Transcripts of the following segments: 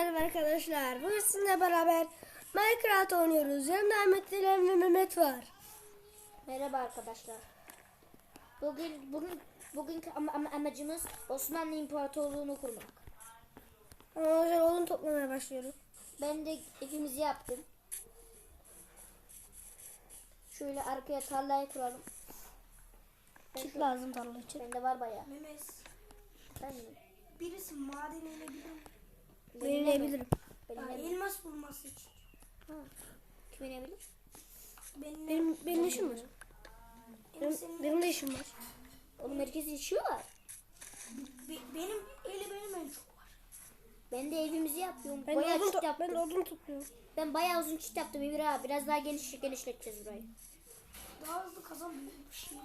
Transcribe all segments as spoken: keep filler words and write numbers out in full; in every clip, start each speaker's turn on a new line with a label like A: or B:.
A: Merhaba arkadaşlar. Bugün sizinle beraber Minecraft oynuyoruz. Yanımda Ahmet Dilan ve Mehmet var.
B: Merhaba arkadaşlar. Bugün bugün bugünkü ama, ama amacımız Osmanlı İmparatorluğu'nu kurmak.
A: Ama o yüzden odun toplamaya başlıyorum.
B: Ben de evimizi yaptım. Şöyle arkaya tarlayı kuralım.
A: Çift lazım tarla için.
B: Bende var bayağı.
C: Mehmet,
B: Ben mi?
C: birisi maden inebilir mi?
A: Belirleyebilirim.
B: Benim,
C: Ya,
B: benim,
C: elmas bulması için.
B: ha. Kim inebilir?
C: Benim,
A: Benim, benim işim var.
C: benim,
A: Benim,
C: senin-
A: benim de işim var.
B: Oğlum herkesin işi var.
C: be- benim eli benim en çok var.
B: Ben de evimizi yapıyorum.
A: Ben
B: bayağı
A: odun,
B: çit
A: to-
B: yaptım.
A: ben odun topluyorum.
B: Ben bayağı uzun çit yaptım Emir abi. Biraz daha geniş genişleteceğiz burayı.
C: Daha hızlı kazanmıyor bir şey.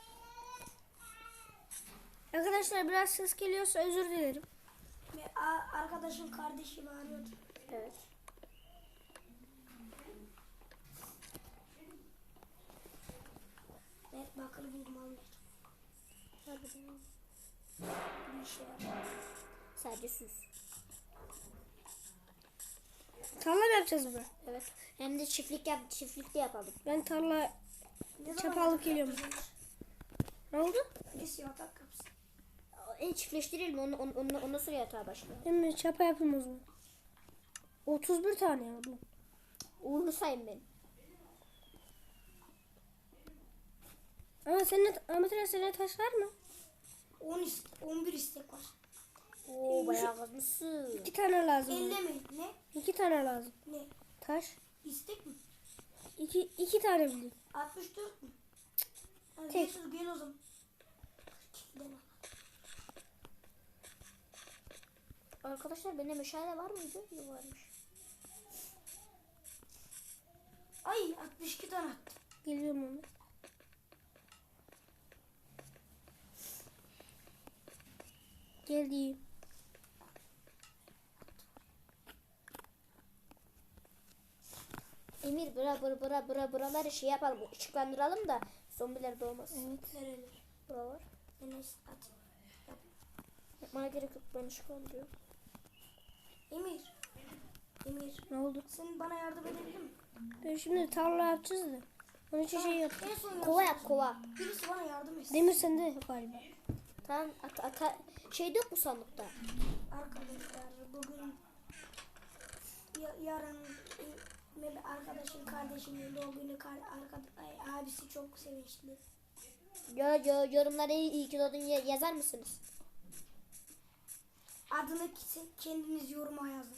A: Arkadaşlar biraz ses geliyorsa özür dilerim.
C: Ve a- arkadaşın kardeşi bağırıyordu.
B: Evet.
C: Evet, bakır buldum almayacağım.
B: Harbiden.
C: Bir işe yarar.
B: Sadece süs.
A: Tarla mı yapacağız burada?
B: Evet. Hem de çiftlik yap, çiftlik de yapalım.
A: Ben tarla
C: Ne
A: çapa
C: zaman
A: alıp geliyorum.
C: yapacağız?
A: Ne oldu?
C: Birisi yatak yapsın.
B: En çiftleştirelim onu, onu, onu, ondan sonra yatağa başlayalım.
A: Hemen çapa yapayım o zaman. otuz bir tane yapalım.
B: Uğurlu sayın ben.
A: Ama senin Ahmet Dilan, senin taş var mı?
C: on ist- on bir istek var.
B: Oo bayağı kazmışsın.
A: İki tane lazım.
C: Elle mi? Ne?
A: İki tane lazım.
C: Ne?
A: Taş.
C: İstek mi?
A: İki, iki tane bileyim.
C: altmış dört mü? Hadi
A: Tek.
C: gel, gel o zaman. Dene.
B: Arkadaşlar bende meşale var mıydı? Yok varmış.
C: Ay, altmış iki tane attım.
A: Geliyorum onu. Geldim.
B: Emir bura bura bura bura buraları şey yapalım, ışıklandıralım da zombiler doğmaz.
A: Evet.
C: Nereler?
B: Buralar.
C: Enes at.
B: Yapmana gerek yok, ben ışıklandırıyorum.
C: Emir. Emir.
A: Ne oldu?
C: Sen bana yardım edebilir misin?
A: Ben şimdi tarla yapacağız da. Onun için şey yap.
C: En son
B: Kova
C: yapsın.
B: yap kova.
C: Birisi bana yardım etsin.
A: Demir sende galiba.
B: Tamam at, at, şey yok mu sandıkta?
C: Arkadaşlar bugün ya, yarın e, Mehmet arkadaşın kardeşimin doğum günü kar, arka, ay, abisi çok sevinçli.
B: Yo yo yorumlara iyi, iyi ki doğdun ya- yazar mısınız?
C: Adını ki- kendiniz yoruma yazın.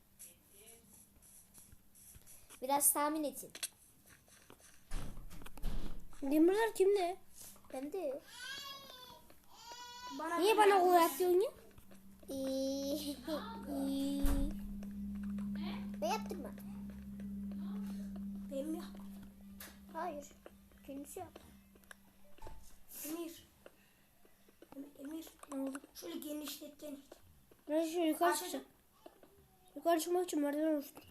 B: Biraz tahmin edin.
A: Demirler kimde?
B: Ben de.
C: Bana
A: Niye
C: bir
A: bana
C: yardım
A: o
C: etsin.
A: yapıyorsun ya?
B: İyi. Ben yaptım mı?
C: Benim mi?
B: Hayır. Kendisi yaptı.
C: Emir. Em- Emir.
A: Ne oldu?
C: Şöyle genişletten.
A: Ben şu yukarı
C: Aşağıda-
A: çıkacağım. Yukarı çıkmak için merdiven oluştum.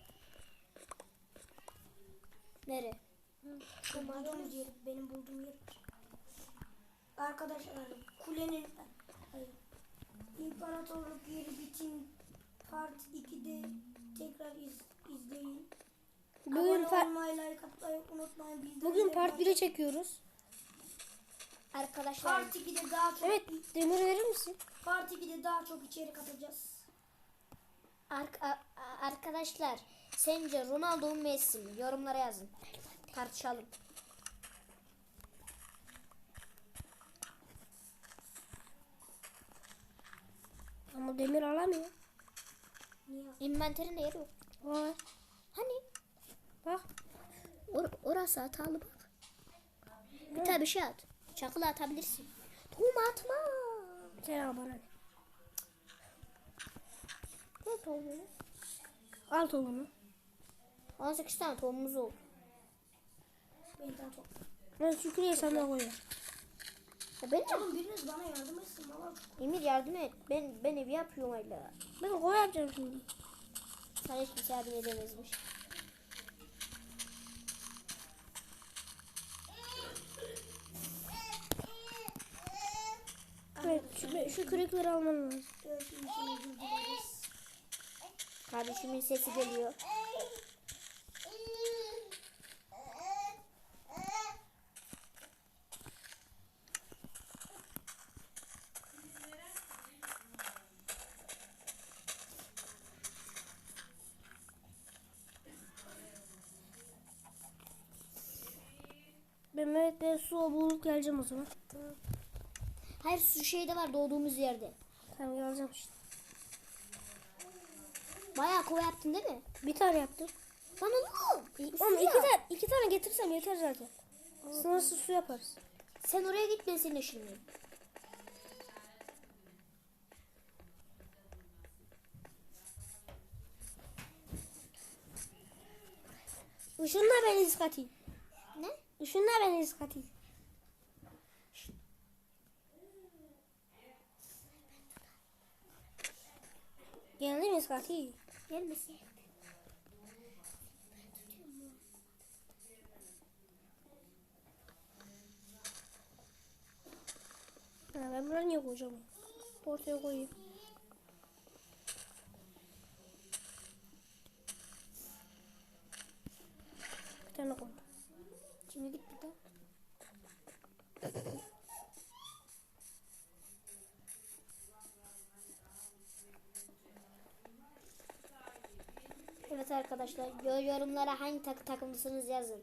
B: Nere?
C: Şu bulduğumuz yer, benim bulduğum yer. Arkadaşlar kulenin hayır, İmparatorluk yeri bitim part ikide tekrar iz, izleyin.
A: Bugün
C: Abone
A: part,
C: olmayı, like atmayı unutmayın. Bildirimleri
A: bugün part
C: aç-
A: biri çekiyoruz.
B: Arkadaşlar
C: Part ikide daha çok
A: Evet, demir verir misin?
C: Part ikide daha çok içerik atacağız.
B: Ark- a- a- arkadaşlar sence Ronaldo mu Messi mi? Yorumlara yazın. Tartışalım.
A: Ama demir alamıyor.
C: Niye?
B: İnventerinde yer yok.
A: Var.
B: Hani?
A: Bak.
B: Or- orası hatalı bak. Bir tane bir şey at. Çakılı atabilirsin. Tohum atma.
A: Sen al bana.
B: Ne tohumu?
A: Al tohumunu.
B: on sekiz tane tohumumuz oldu.
C: Ben daha çok.
A: Ben şu küreği sana koyuyorum.
B: Ya bence
C: Oğlum biriniz bana yardım etsin. Valla çok.
B: Emir yardım et. Ben ben evi yapıyorum hala.
A: Ben koy yapacağım şimdi.
B: Sana hiç kimse yardım edemezmiş.
A: Evet, şu, şu kürekleri alman lazım.
C: Evet, iyi ki özür dileriz.
B: Kardeşimin sesi geliyor.
A: Ben Mehmet'le su bulup geleceğim o zaman.
B: Hayır su şeyde var doğduğumuz yerde.
A: Tamam geleceğim işte.
B: Bayağı kova yaptın değil mi?
A: Bir tane yaptım.
B: Lan oğlum. e,
A: Oğlum
B: su
A: iki
B: ya.
A: tane, iki tane getirsem yeter zaten. Sınırsız su yaparız.
B: Sen oraya git ben seninle şimdi.
A: Işınla beni iskati.
B: Ne?
A: Işınla beni iskati. Geldi mi iskati?
B: Gelmesin.
A: Ha, ben buraya niye koyacağım? Ortaya koyayım. Bir tane koy.
B: Şimdi git bir de. Evet arkadaşlar yo- yorumlara hangi tak takımlısınız yazın.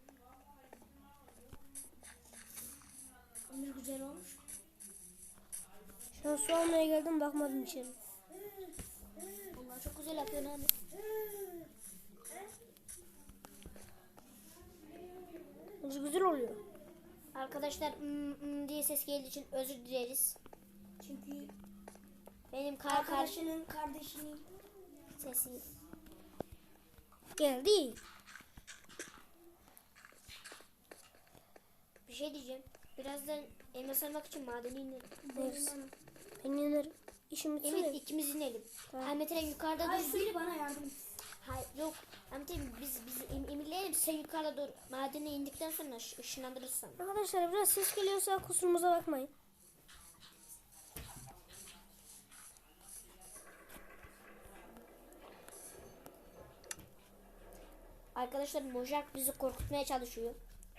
C: Ömür güzel olmuş.
A: Şu an su almaya geldim bakmadım içeri.
B: Onlar çok güzel yapıyor abi.
A: Bence güzel oluyor.
B: Arkadaşlar mm, mm diye ses geldiği için özür dileriz.
C: Çünkü
B: Benim kar karşı
C: arkadaşının kardeşinin
B: sesi.
A: Geldi.
B: Bir şey diyeceğim. Birazdan elmas almak için madeni inelim.
A: Neyse. Ben inerim. İşim bitsin
B: Evet
A: de.
B: ikimiz inelim.
A: Tamam.
B: Ahmet Eren yukarıda
C: Ay
B: dur.
C: biri bana yardım et.
B: Hayır yok. Ahmet Eren biz biz em, emirleyelim. Sen yukarıda dur. Madene indikten sonra ış- ışınlandırırsan.
A: Arkadaşlar biraz ses geliyorsa kusurumuza bakmayın.
B: Arkadaşlar Mojak bizi korkutmaya çalışıyor.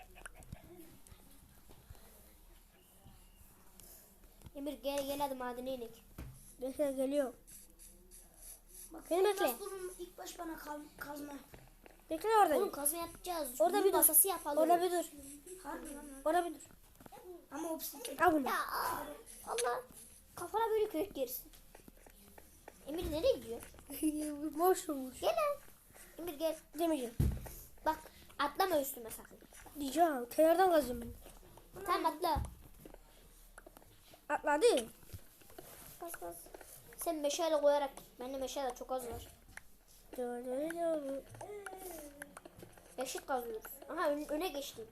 B: Emir gel gel hadi madene inek.
A: Bekle geliyor.
C: Bak,
A: Beni bekle.
C: elmas bulun, ilk baş bana kal, kazma.
A: Bekle orada.
B: Oğlum kazma yapacağız.
A: Orada
B: Orada
A: bir dur.
B: masası yapalım.
A: Orada bir dur.
C: Harbi lan.
A: Orada bir dur.
C: Ama obsidian.
A: Al bunu.
B: Ya aa, Allah kafana böyle kürek gerisi. Emir nereye gidiyor?
A: Boş olmuş.
B: Gel lan. Emir gel.
A: Demeyeceğim.
B: Bak atlama üstüme sakın.
A: Diyeceğim. Kenardan kazıyorum ben.
B: Tamam atla.
A: Atladı.
B: Bas bas. Sen meşale koyarak git. Bende meşale çok az var.
A: Dur, dur, dur.
B: Eşit kazıyoruz. Aha ön- öne geçtim.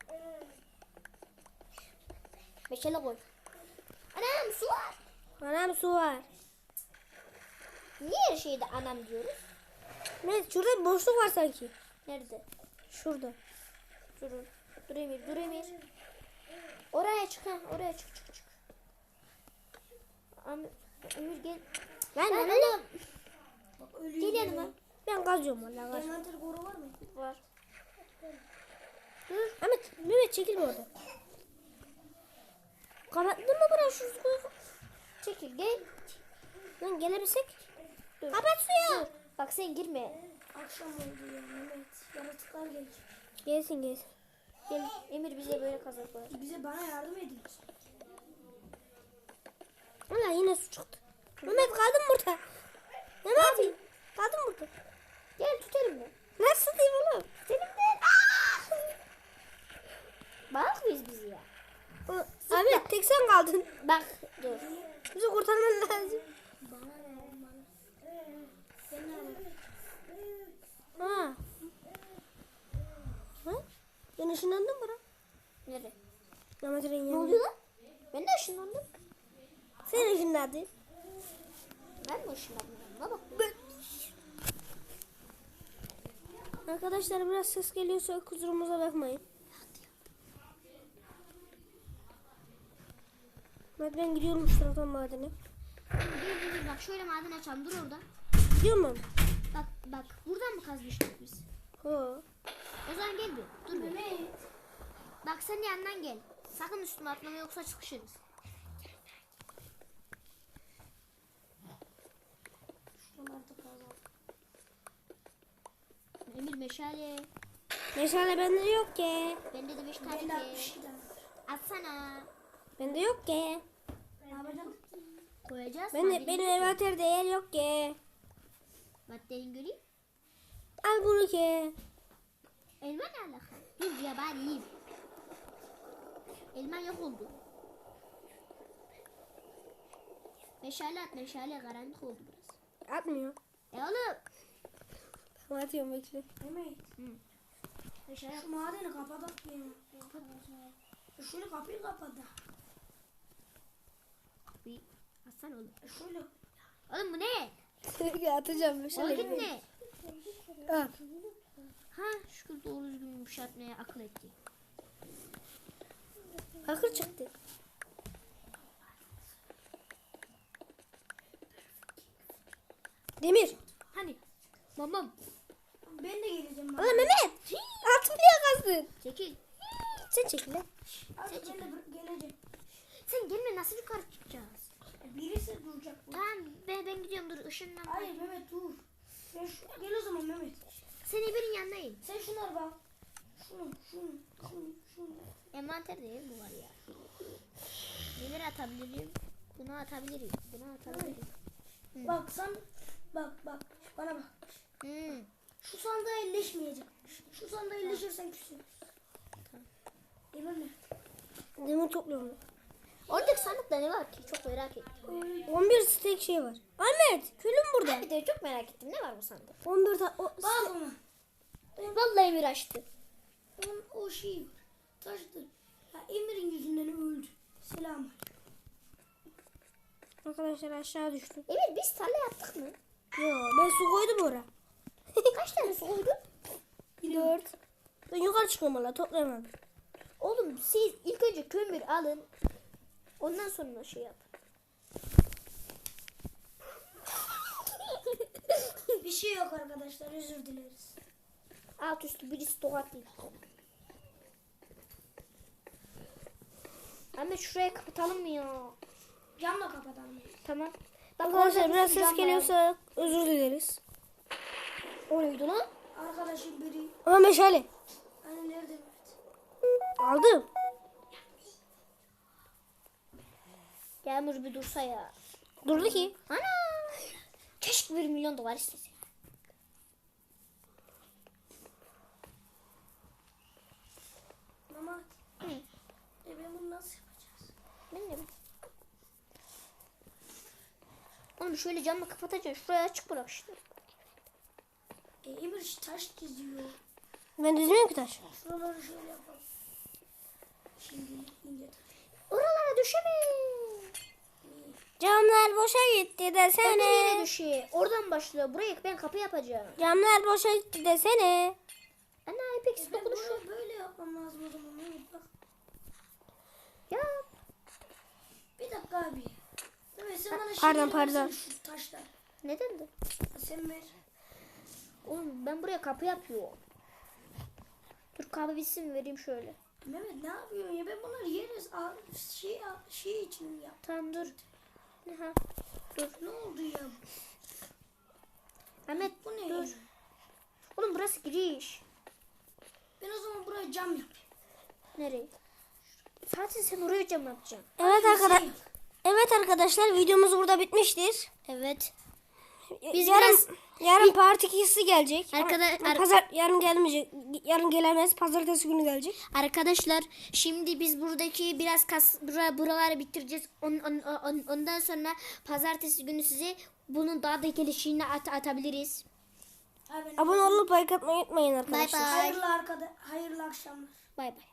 B: Meşale koy. Anam su var.
A: Anam su var.
B: Niye her şeyde anam diyoruz?
A: Evet şurada bir boşluk var sanki.
B: Nerede?
A: Şurada.
B: Durun. Dur Emir, dur Emir. Oraya çık ha, oraya çık çık çık. Am Emir gel.
A: Ben
B: Lan
A: de
B: oğlum.
C: Bak ölüyor.
B: Gel yanıma.
A: ben kazıyorum valla kaz.
C: Envanter koru var mı?
B: Var. Dur.
A: Ahmet, Mehmet çekilme orada. Kapattın mı burayı şu suyu?
B: Çekil gel.
A: Lan gelebilsek.
B: Dur.
A: Kapat suyu.
B: Dur. Bak sen girme.
C: Akşam oldu ya Mehmet. Yaratıklar gelecek.
A: Gelsin gelsin.
B: Gel Emir bize böyle kazak koyar.
C: Bize bana yardım edin.
A: Valla yine su çıktı. Mehmet kaldın burada. Mehmet kaldın burada.
B: Gel tut elimden.
A: Nasıl diyeyim oğlum?
B: Elimden. Bak biz bizi ya.
A: O- Ahmet tek sen kaldın.
B: Bak dur.
A: Bizi kurtarman lazım.
C: Bana ne oğlum bana? Sen ne
A: Ha. Ha? Ben ışınlandım bura.
B: Nerede?
A: Mehmet'in
B: Ne
A: yanına.
B: oluyor lan? Ben de ışınlandım.
A: Sen ışınlandın.
B: Ben mi ışınlandım? Ne bak.
A: Arkadaşlar biraz ses geliyorsa kusurumuza bakmayın. Mehmet ben gidiyorum şu taraftan madene.
B: Dur dur dur bak şöyle maden açalım dur orada.
A: Gidiyor mu?
B: Bak Bak buradan mı kazmıştık biz?
A: Ho.
B: O zaman gel bir. Dur bir.
C: Mehmet.
B: Bak sen yandan gel. Sakın üstüme atlama yoksa sıkışırız.
C: Şuralarda kazalım.
B: Emir meşale.
A: Meşale bende yok ki.
B: Bende de beş tane
C: Ben de
B: ki.
C: altmış iki tane.
B: Atsana.
A: Bende yok ki.
C: Ne yapacağım?
B: Koyacağız.
A: Ben de, benim envanterde yer yok ki.
B: Maddenin göreyim.
A: Al bunu ki.
B: Elma ne alaka? Dur ya bari yiyeyim. Elma yok oldu. Meşale at meşale karanlık oldu biraz.
A: Atmıyor.
B: E oğlum.
A: Tamam atıyorum bekle.
C: Mehmet.
B: Meşale
C: Şu madeni kapatalım ya. E Şöyle kapıyı kapat da.
B: bir atsana oğlum.
C: E Şöyle.
B: Oğlum bu ne?
A: Atacağım
B: Oğlum
A: meşale.
B: ne?
A: Al.
B: Ha şükür doğru düzgün yumuşatmaya akıl etti.
A: Bakır çıktı. Demir.
B: Hani? Mamam.
C: Ben de geleceğim.
A: Ulan Mehmet. Altın niye kazdın?
B: Çekil.
A: Sen çekil lan.
C: Abi ben de bır- geleceğim.
B: Sen gelme nasıl yukarı çıkacağız?
C: E Birisi duracak. burada.
B: Tamam ben, ben gidiyorum dur ışınlan.
C: Hayır Mehmet dur. Sen şu, gel o zaman Mehmet.
B: Sen Emir'in yanındayım.
C: Sen şunları bak. Şunu, şunu, şunu, şunu.
B: Envanterde ev mi var ya? Neler atabilirim? Bunu atabilirim. Bunu atabilirim.
C: Bak sen, bak bak, bana bak.
B: Hmm.
C: Şu sandığa elleşmeyecek. Şu sandığa elleşirsen küsün. Emir ne?
A: Demir topluyorum.
B: Oradaki sandıkta ne var ki? Çok merak ettim.
A: on bir stek şey var. Ahmet külüm burada.
B: Bir de çok merak ettim. Ne var bu sandıkta?
A: on bir ta- o,
C: Bak ona.
B: Vallahi Emir açtı.
C: Onun o şey var. Taştı. Ya Emir'in yüzünden öldü. Selam.
A: Arkadaşlar aşağı düştüm.
B: Emir biz tarla yaptık mı?
A: Yo ben su koydum oraya.
B: Kaç tane su koydun?
A: Dört. Ben yukarı çıkıyorum valla toplayamadım.
B: Oğlum siz ilk önce kömür alın. Ondan sonra şey yap.
C: Bir şey yok arkadaşlar, özür dileriz.
B: Alt üstü birisi tokatlayın. Ahmet şuraya kapatalım mı ya?
C: Camla kapatalım.
B: Tamam. Bak
A: Arkadaşlar
B: orada bir
A: biraz
B: sürü
A: ses
B: cam var.
A: geliyorsa özür dileriz.
B: O neydi lan?
C: Arkadaşım biri.
A: Ama meşale.
C: Hani nerede Mehmet?
A: Aldım.
B: Yağmur bir dursa ya.
A: Durdu ki.
B: Ana! Keşke bir milyon dolar istese.
C: Mama.
B: Hı.
C: E ben bunu nasıl yapacağız?
B: Ben de bileyim. Oğlum şöyle camla kapatacaksın. Şuraya açık bırak işte.
C: E Emir şu taş çiziyor.
A: Ben düzmüyorum ki taş.
C: Şuraları şöyle yapalım. Şimdi ince taş.
B: Oralara düşeme.
A: Camlar boşa gitti
B: Ben de
A: desene.
B: yere düşüyor. Oradan başlıyor. Buraya ben kapı yapacağım.
A: Camlar boşa gitti desene.
B: Ana Apex
C: E ben
B: dokunuşu.
C: buraya böyle yapmam lazım o zaman Mehmet bak.
B: Ya.
C: Bir dakika abi. Evet sen bana
A: pardon,
C: şeyleri
A: pardon.
C: versene, şu taşlar.
B: Neden de?
C: Sen ver.
B: Oğlum ben buraya kapı yapıyorum. Dur kahve bitsin vereyim şöyle.
C: Mehmet ne yapıyorsun ya? Ben bunları yeriz. Al- Şey, al- şey için yap.
B: Tamam dur. Aha.
C: Dur. Ne oldu ya?
B: Ahmet
C: Bu ne?
B: dur. Oğlum burası giriş.
C: Ben o zaman buraya cam yapayım.
B: Nereye? Zaten sen oraya cam yapacaksın.
A: Evet
C: Şey
A: arkadaşlar.
C: yap.
A: Evet arkadaşlar videomuz burada bitmiştir.
B: Evet.
A: Biz yarın
B: biraz-
A: yarın part ikisi gelecek.
B: Arkada-
A: Ama
B: ar-
A: pazar yarın gelmeyecek. Yarın gelemez. Pazartesi günü gelecek.
B: Arkadaşlar şimdi biz buradaki biraz kas bura, buraları bitireceğiz. On, on- on- ondan sonra pazartesi günü size bunun daha da gelişini at, atabiliriz.
C: Abi,
A: Abone olup like atmayı unutmayın
B: Bay
A: arkadaşlar.
B: bay.
C: hayırlı arkada, hayırlı akşamlar.
B: Bay bay.